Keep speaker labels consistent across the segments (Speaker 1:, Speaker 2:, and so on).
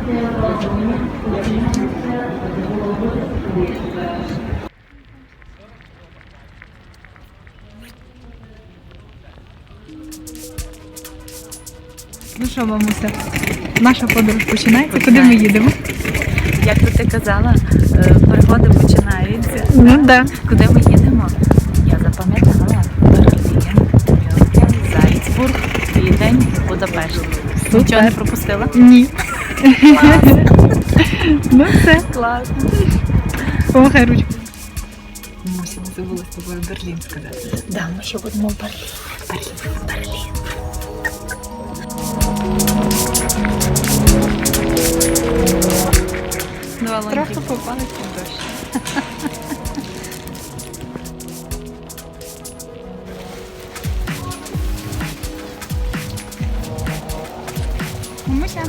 Speaker 1: Ну що, мамуся, наша подорож починається. Куди ми їдемо?
Speaker 2: Як би ти казала, пригоди починаються.
Speaker 1: Ну да.
Speaker 2: Куди ми їдемо? Я запам'ятала. Берлін, Мюнхен, Зальцбург, Відень, Будапешт. Нічого не пропустила?
Speaker 1: Ні. Ну все.
Speaker 2: Класно.
Speaker 1: Помахай ручку. Мамуся, не забула з тобою Берлін сказати.
Speaker 2: Да, ми ще будемо в Берлін. Берлін.
Speaker 1: Трохи попалися в дощ. Мамуся.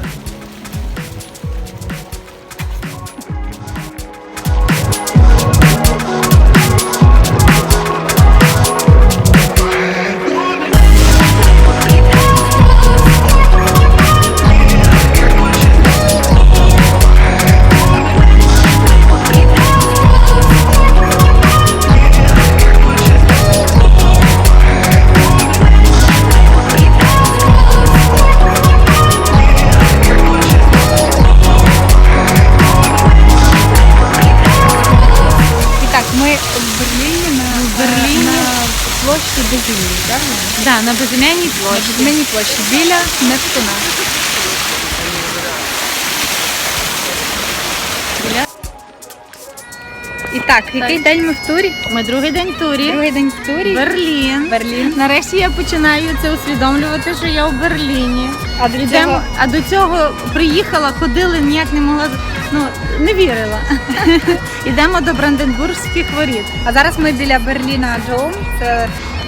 Speaker 1: Площі Безім'ї, правильно?
Speaker 2: Да, на Безім'яній площі.
Speaker 1: На Безім'яній площі, біля Нептуна. І так, який день ми в турі?
Speaker 2: Ми другий день в турі.
Speaker 1: Другий день в турі.
Speaker 2: Берлін.
Speaker 1: Берлін.
Speaker 2: Нарешті я починаю це усвідомлювати, що я в Берліні.
Speaker 1: А
Speaker 2: А до цього приїхала, ходили, ніяк не могла, не вірила. Йдемо до Бранденбурзьких воріт.
Speaker 1: А зараз ми біля Берліна Дом. Це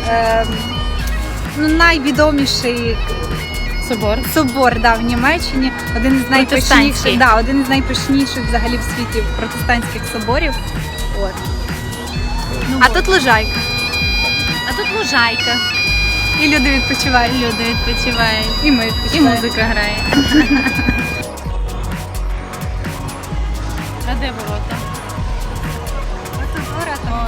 Speaker 1: найвідоміший собор в Німеччині. Один із найпишніших взагалі в світі протестантських соборів. От. А тут лужайка.
Speaker 2: А тут лужайка.
Speaker 1: І люди відпочивають. І ми відпочиваємо.
Speaker 2: І музика грає. А де ворота?
Speaker 1: Ось тут ворота.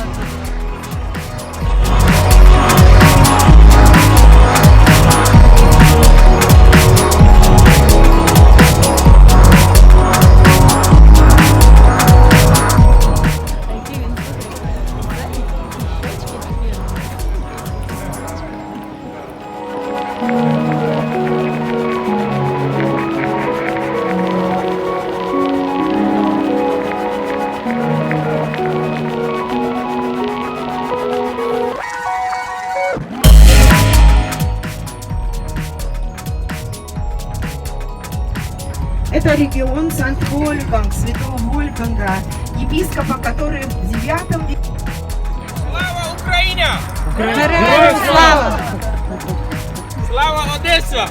Speaker 3: Это регион Санкт-Вольфганг, Святого Вольфганга, епископа, который в 9 веке...
Speaker 4: Слава Україні!
Speaker 1: Героям слава!
Speaker 4: Слава Одеса!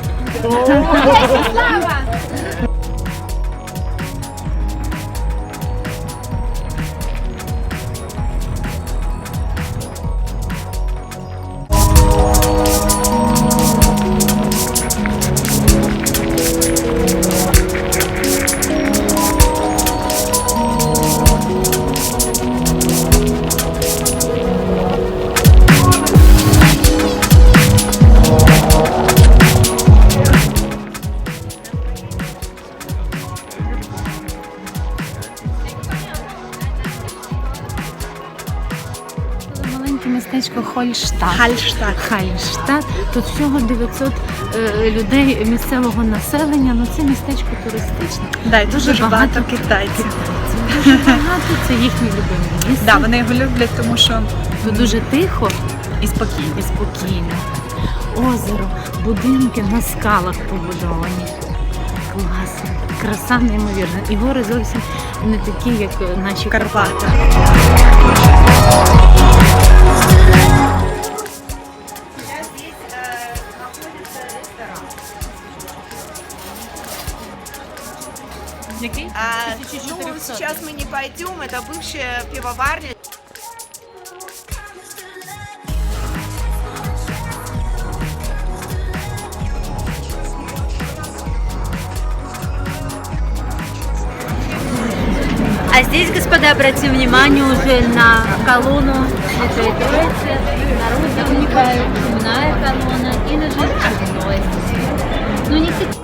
Speaker 2: Містечко Хальштадт. Тут всього 900 людей місцевого населення, це містечко туристичне.
Speaker 1: Да, і дуже багато китайців.
Speaker 2: Дуже багато, це їхні любимі місце.
Speaker 1: Да, вони його люблять, тому що
Speaker 2: тут дуже тихо
Speaker 1: і спокійно.
Speaker 2: Озеро, будинки на скалах побудовані. Класно, краса неймовірна. І гори зовсім не такі, як наші Карпати.
Speaker 1: Який?
Speaker 3: Сейчас мы не пойдем, это бывшая пивоварня.
Speaker 2: А здесь, господа, обратим внимание уже на колонну Святой Троицы. Народ замыкает, земная колонна и даже чудной. Ну, не